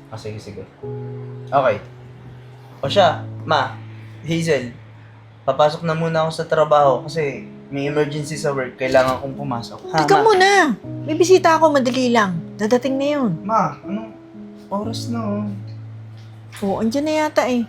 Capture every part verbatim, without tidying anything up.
Ah, sige, sige. Okay. O siya, ma, Hazel, papasok na muna ako sa trabaho kasi may emergency sa work. Kailangan kong pumasok. Ha, Teka ma? muna. May bisita ako, madali lang. Dadating na yun. Ma, anong oras na oh? Oo, andyan na yata eh.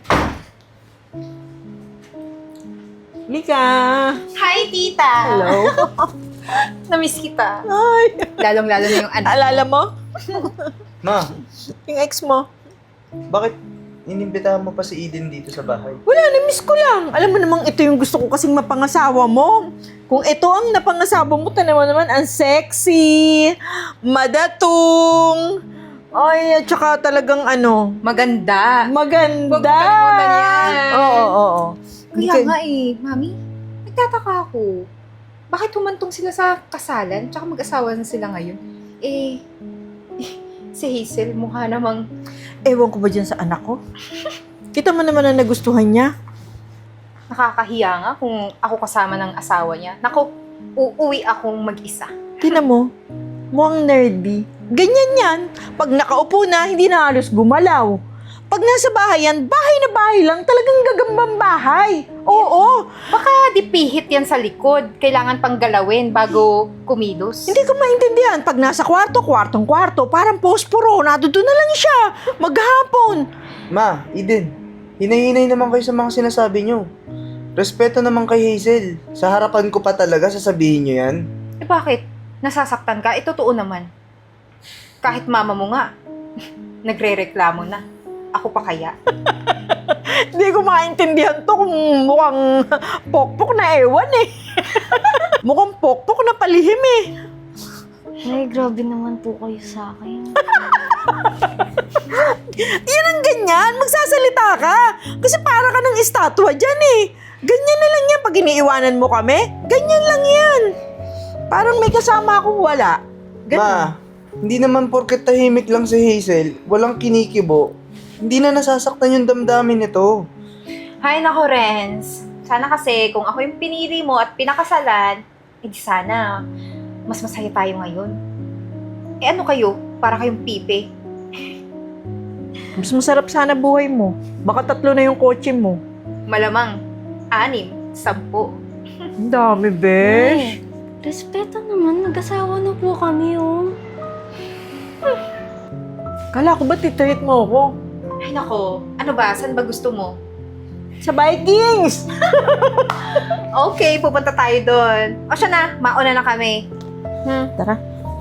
Lika! Hi, tita! Hello? Namiss kita. Ay! Lalong-lalo na yung anak. Alala mo? Ma, Yung ex mo? bakit inimbitahan mo pa si Eden dito sa bahay? Wala, na-miss ko lang. Alam mo namang ito yung gusto ko kasing mapangasawa mo. Kung ito ang napangasawa mo, tanawa naman, ang sexy, madatong, ay, at saka talagang ano, Maganda. maganda. Huwag kalimutan yan. Oo, oo, oo. Hindi Kaya ka- nga eh, mami, nagtataka ako. Bakit humantong sila sa kasalan, tsaka mag-asawa na sila ngayon? Eh, si Hazel, mukha namang... Ewan ko ba dyan sa anak ko? Kita mo naman na nagustuhan niya. Nakakahiya nga kung ako kasama ng asawa niya. Naku, uuwi akong mag-isa. Tinan mo, mukhang nerdy. Ganyan yan. Pag nakaupo na, hindi na halos gumalaw. Pag nasa bahay yan, bahay na bahay lang, talagang gagambang bahay. Oo, Baka dipihit yan sa likod. Kailangan pang galawin bago kumilos. hindi ko maintindihan. Pag nasa kwarto, kwartong kwarto, parang posporo, nadudo na lang siya. Maghapon. Ma, Eden, hinay-hinay naman kayo sa mga sinasabi nyo. Respeto naman kay Hazel. Sa harapan ko pa talaga sasabihin nyo yan. Eh bakit? Nasasaktan ka? Eh totoo naman. Kahit mama mo nga, nagre-reklamo na. Ako pa kaya? Hindi ko maintindihan to kung mukhang pokpok na ewan eh. Mukhang pokpok na palihim eh. Ay, grabe naman po kayo sa akin. Yan ang ganyan, magsasalita ka. Kasi para ka ng estatwa dyan eh. Ganyan na lang yan pag iniiwanan mo kami. Ganyan lang yan. Parang may kasama akong wala. Ganun. Ma, hindi naman porket tahimik lang si Hazel, walang kinikibo, hindi na nasasaktan yung damdamin nito. Hay nako, Renz. Sana kasi kung ako yung pinili mo at pinakasalan, eh di sana mas masaya tayo ngayon. Eh ano kayo? Para kayong pipe. Mas masarap sana buhay mo. Baka tatlo na yung kotse mo. Malamang, anim, sampu. Ang dami, besh. Eh, respeto naman, nag-asawa na po kami, oh. Kala ko ba titreat mo ako? Ay nako, ano ba? Saan ba gusto mo? Sa Vikings! Okay, pupunta tayo doon. O siya na, mauna na kami. Hmm. Tara.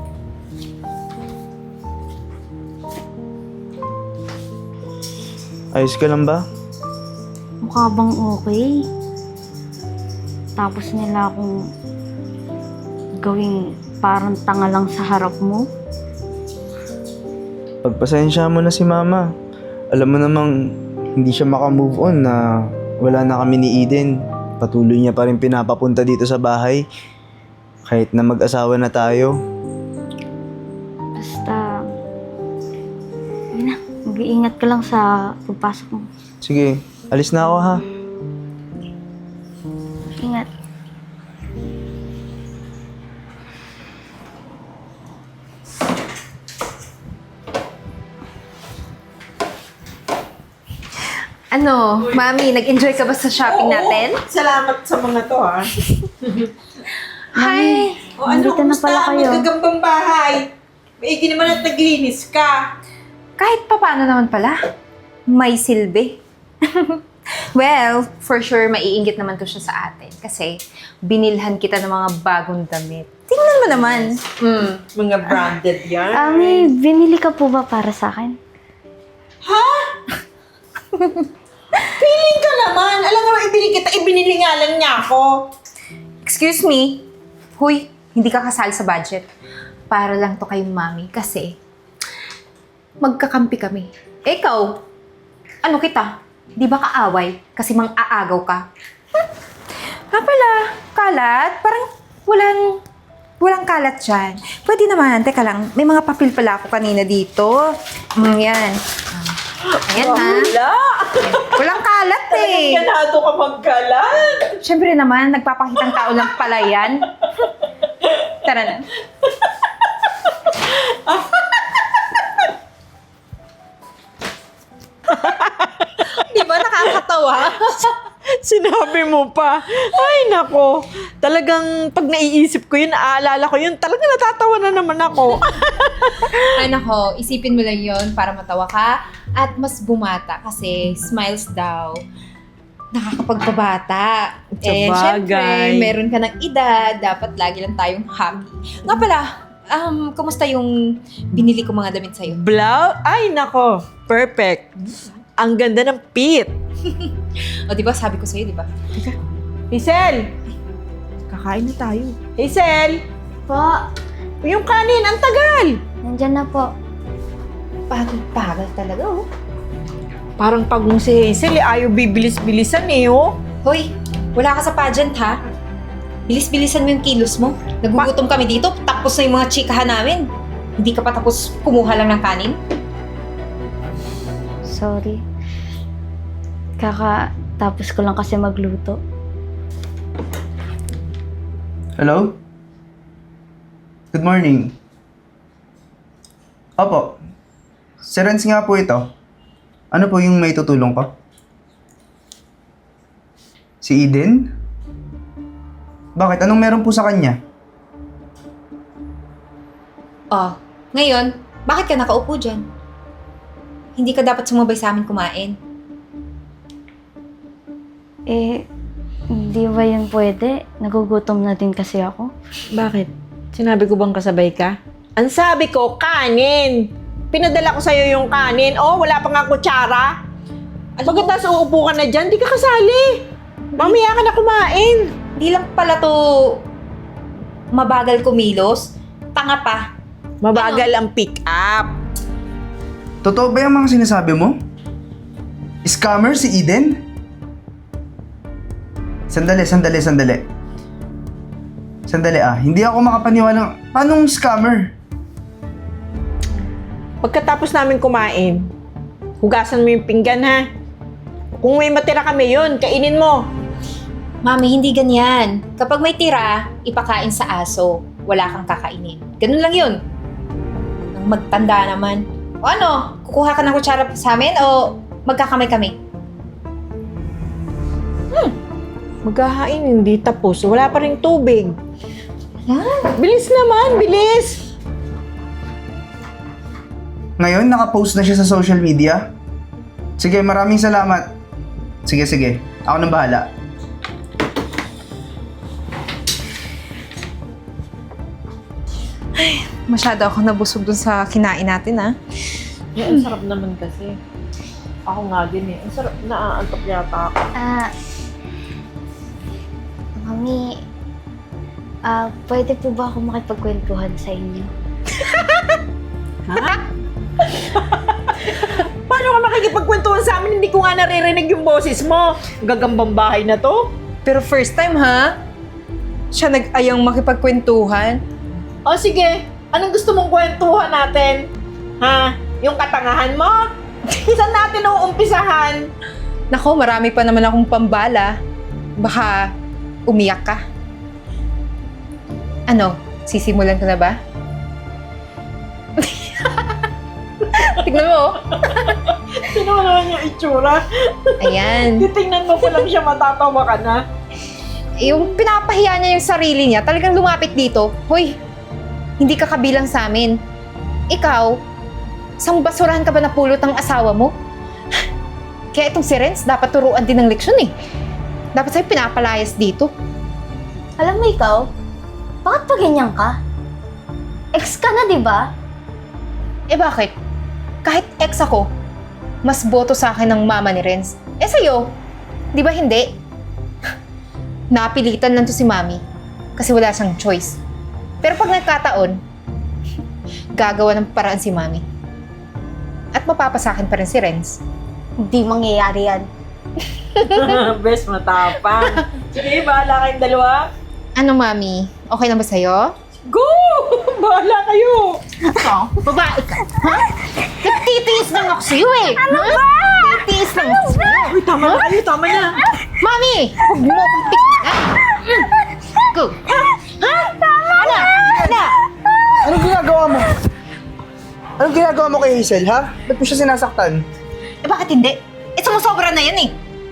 Ayos ka lang ba? Mukha bang okay? Tapos nila akong gawing parang tanga lang sa harap mo. Pagpasensya mo na si Mama. Alam mo namang hindi siya makamove on na wala na kami ni Eden. Patuloy niya pa rin pinapapunta dito sa bahay. Kahit na mag-asawa na tayo. Basta, yun na, mag-iingat ka lang sa pagpasok mo. Sige, alis na ako ha. Ingat. Ano, Mami, nag-enjoy ka ba sa shopping natin? Salamat sa mga to, ha? Hi! O ano, Nandito na kumusta pala ang kayo. magagambang bahay? Maigi naman at naglinis ka. Kahit pa paano naman pala, may silbi. Well, for sure, maiinggit naman to siya sa atin. Kasi, binilhan kita ng mga bagong damit. Tingnan mo naman. Mm. Mga branded yan. Ah, may binili ka po ba para sa akin? Feeling ka naman. Alam mo, ibili kita, ibinili nga lang niya ako. Excuse me. Huy, hindi ka kasal sa budget. Para lang to kay Mami. Kasi, magkakampi kami. Eh, ikaw, ano kita? Di ba kaaway? Kasi mang-aagaw ka. Hmm. Ha pala, kalat? Parang walang, walang kalat dyan. Pwede naman, teka lang, may mga papel pala ako kanina dito. Mm, yan. Ayan ha. Wala. Walang kalat eh. Ganado ka magkalat. Siyempre naman, nagpapakitang tao lang pala yan. Tara na. natatawa? Sinabi mo pa. Ay, nako. Talagang pag naiisip ko yun, naaalala ko yun, talagang natatawa na naman ako. Ay nako, isipin mo lang yon para matawa ka at mas bumata kasi smiles daw nakakapagpabata. Eh, Sabagay. syempre, meron ka ng edad, dapat lagi lang tayong happy. Nga pala, um, kumusta yung binili ko mga damit sa'yo? Blow? Ay, nako. Perfect. Ang ganda ng pit. O, di ba sabi ko sa'yo, di ba? Hazel! Kakain na tayo. Hazel! Po, Yung kanin, ang tagal! nandyan na po. Bagal-bagal talaga, oh. Parang pagong si Hazel, eh, ayaw bibilis-bilisan eh, oh. Hoy, wala ka sa pageant, ha? Bilis-bilisan mo yung kilos mo. Nagugutom kami dito, tapos na yung mga chikahan namin. Hindi ka pa tapos kumuha lang ng kanin? Sorry. Kakatapos ko lang kasi magluto. Hello? Good morning. Opo. Si Renz nga po ito. Ano po yung may tutulong ko? Si Eden? Bakit? Anong meron po sa kanya? Oh, ngayon, bakit ka nakaupo dyan? Hindi ka dapat sumabay sa amin kumain. Eh, hindi ba yun pwede? Nagugutom na din kasi ako. Bakit? Sinabi ko bang kasabay ka? Ang sabi ko, kanin! Pinadala ko sa'yo yung kanin. Oh, wala pa nga kutsara. Pagkatapos uupo ka na dyan, di ka kasali. Mamaya ka na kumain. Hindi lang pala to mabagal kumilos. Tanga pa. Mabagal ang pick up. Totoo ba yung mga sinasabi mo? Scammer si Eden? Sandali, sandali, sandali. Sandali ah, hindi ako makapaniwala. Paanong scammer? Pagkatapos namin kumain, hugasan mo yung pinggan ha. Kung may matira kami yun, kainin mo. Mami, hindi ganyan. Kapag may tira, ipakain sa aso. Wala kang kakainin. Ganun lang yun. Ang magtanda naman. O ano, kukuha ka ng kutsara sa amin o magkakamay kami? Maghahain, hindi tapos. Wala pa rin tubig. Ah, Bilis naman, bilis! Ngayon, nakapost na siya sa social media? Sige, maraming salamat. Sige, sige. Ako nang bahala. masyado ako nabusog dun sa kinain natin, ah. Yeah, ang sarap naman kasi. Ako nga din eh. Ang sarap, naaantok yata ako. Ah, Mami, ah, pwede po ba ako makipagkwentuhan sa inyo? Paano ka makikipagkwentuhan sa amin? Hindi ko nga naririnig yung boses mo. Gagambang bahay na to. Pero first time, ha? Siya nag-ayang makipagkwentuhan. O sige, anong gusto mong kwentuhan natin? Ha? Yung katangahan mo? Saan natin uumpisahan? Nako, marami pa naman akong pambala. Baka umiyak ka. Ano? Sisimulan ko na ba? Tignan mo. Sino ka naman yung itsura? Ayan. Titingnan mo ko lang siya, matatawa ka na. Yung pinapahiya niya yung sarili niya, talagang lumapit dito. Hoy, hindi ka kabilang sa amin. Ikaw, sang basurahan ka ba napulot ng asawa mo? Kaya itong si Renz, dapat turuan din ng leksyon eh. Dapat sa'yo pinapalayas dito. Alam mo ikaw, bakit pa ganyan ka? Ex ka na, di ba? Eh bakit? Kahit ex ako, mas boto sa akin ng mama ni Renz. Eh sa'yo, di ba hindi? Napilitan lang to si mami kasi wala siyang choice. Pero pag nagkataon, gagawa ng paraan si mami. At mapapasakin pa rin si Renz. Hindi mangyayari yan. Best matapang. Sige, bahala kayong dalawa. Ano mami? Okay na ba sa'yo? Go! Bahala kayo! Ikaw? Babae ka? Ha? Nagtitiis lang ako sa'yo eh! Ano ba? Nagtitiis lang ako sa'yo! Uy, tama na kayo, tama na. Mami! Huwag mo akong pikihan! Go! Ha? Tama ano? Ano? Anong ginagawa mo? Anong ginagawa mo kay Hazel, ha? Ba't mo siya sinasaktan? Eh bakit hindi? Eh sumusobra na yan eh!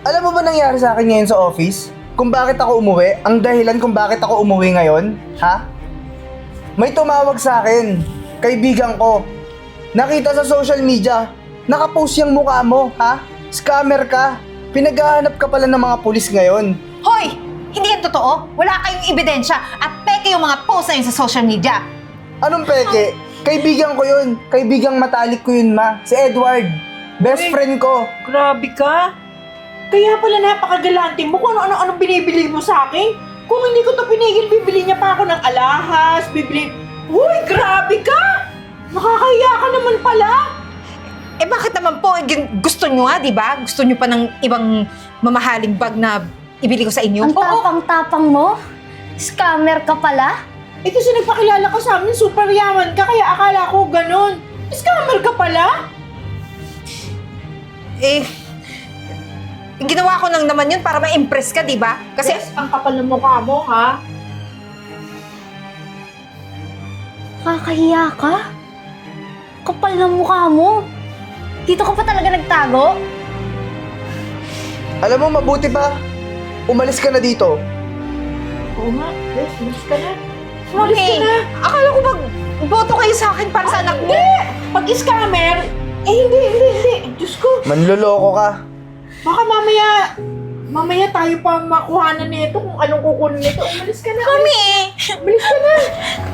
Alam mo ba nangyari sa akin ngayon sa office? Kung bakit ako umuwi? Ang dahilan kung bakit ako umuwi ngayon? Ha? May tumawag sa akin. Kaibigan ko. Nakita sa social media. Nakapost yung mukha mo, ha? Scammer ka. Pinaghahanap ka pala ng mga pulis ngayon. Hoy! Hindi yan totoo. Wala kayong ebidensya at peke yung mga post na yun sa social media. Anong peke? Kaibigan ko yun. Kaibigang matalik ko yun, ma. Si Edward. Best Uy. friend ko. Grabe ka. Kaya pala napakagalante mo kung ano-ano binibili mo sa akin. Kung hindi ko to pinigil, bibili niya pa ako ng alahas, bibili... Uy, grabe ka! Nakakahiya ka naman pala. Eh bakit naman po, eh, gin- gusto nyo nga, di ba? Gusto nyo pa ng ibang mamahaling bag na ibili ko sa inyo? Ang tapang-tapang mo? Scammer ka pala? Eh kasi nagpakilala ka sa amin, super yaman ka, kaya akala ko ganun. Scammer ka pala? Eh, ginawa ko lang naman yun para ma-impress ka, di ba? Kasi, Yes, ang kapal ng mukha mo, ha? Kakahiya ka? Kapal ng mukha mo. Dito ka pa talaga nagtago? Alam mo, mabuti pa. Umalis ka na dito. Oo nga, yes, umalis ka na. Umalis ka Mami, na. akala ko mag-boto kayo sa akin para sa anak mo. Hindi! Pag scammer, eh hindi, hindi, hindi. Diyos ko, Manloloko ka. baka mamaya, mamaya tayo pa makuhanan nito kung anong kukunin nito. Umalis ka na. Mami! Umalis ka na.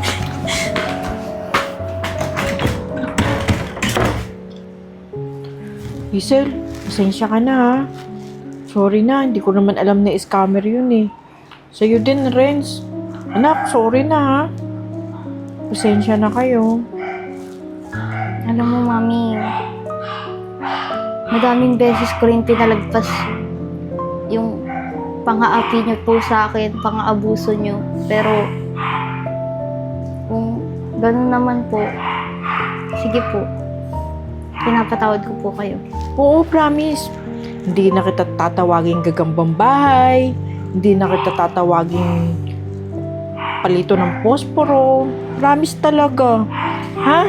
Hazel, pasensya ka na ha. Sorry na, hindi ko naman alam na scammer yun eh. Sa'yo din, Renz. Anak, sorry na ha. Pasensya na kayo. Alam mo, Mami, madaming beses ko rin pinalagpas yung pang-aapi niyo po sa akin, pang-aabuso niyo. Pero, kung ganun naman po, sige po, pinapatawad ko po kayo. Oo, promise. Hindi na kita tatawaging gagambang bahay. Hindi na kita tatawaging palito ng posporo. Promise talaga. Ha?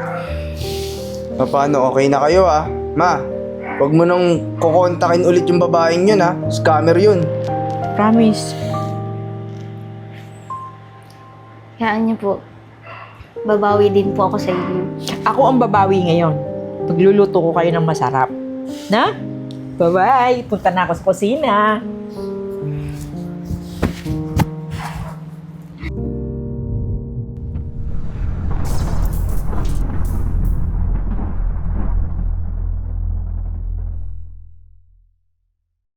Paano, okay na kayo ah? Ma, huwag mo nang kukontakin ulit yung babaeng yun ah. Scammer yun. Promise. Hayaan niyo po, babawi din po ako sa inyo. Ako ang babawi ngayon. Pagluluto ko kayo ng masarap. Na? Bye-bye. Punta na ako sa kusina.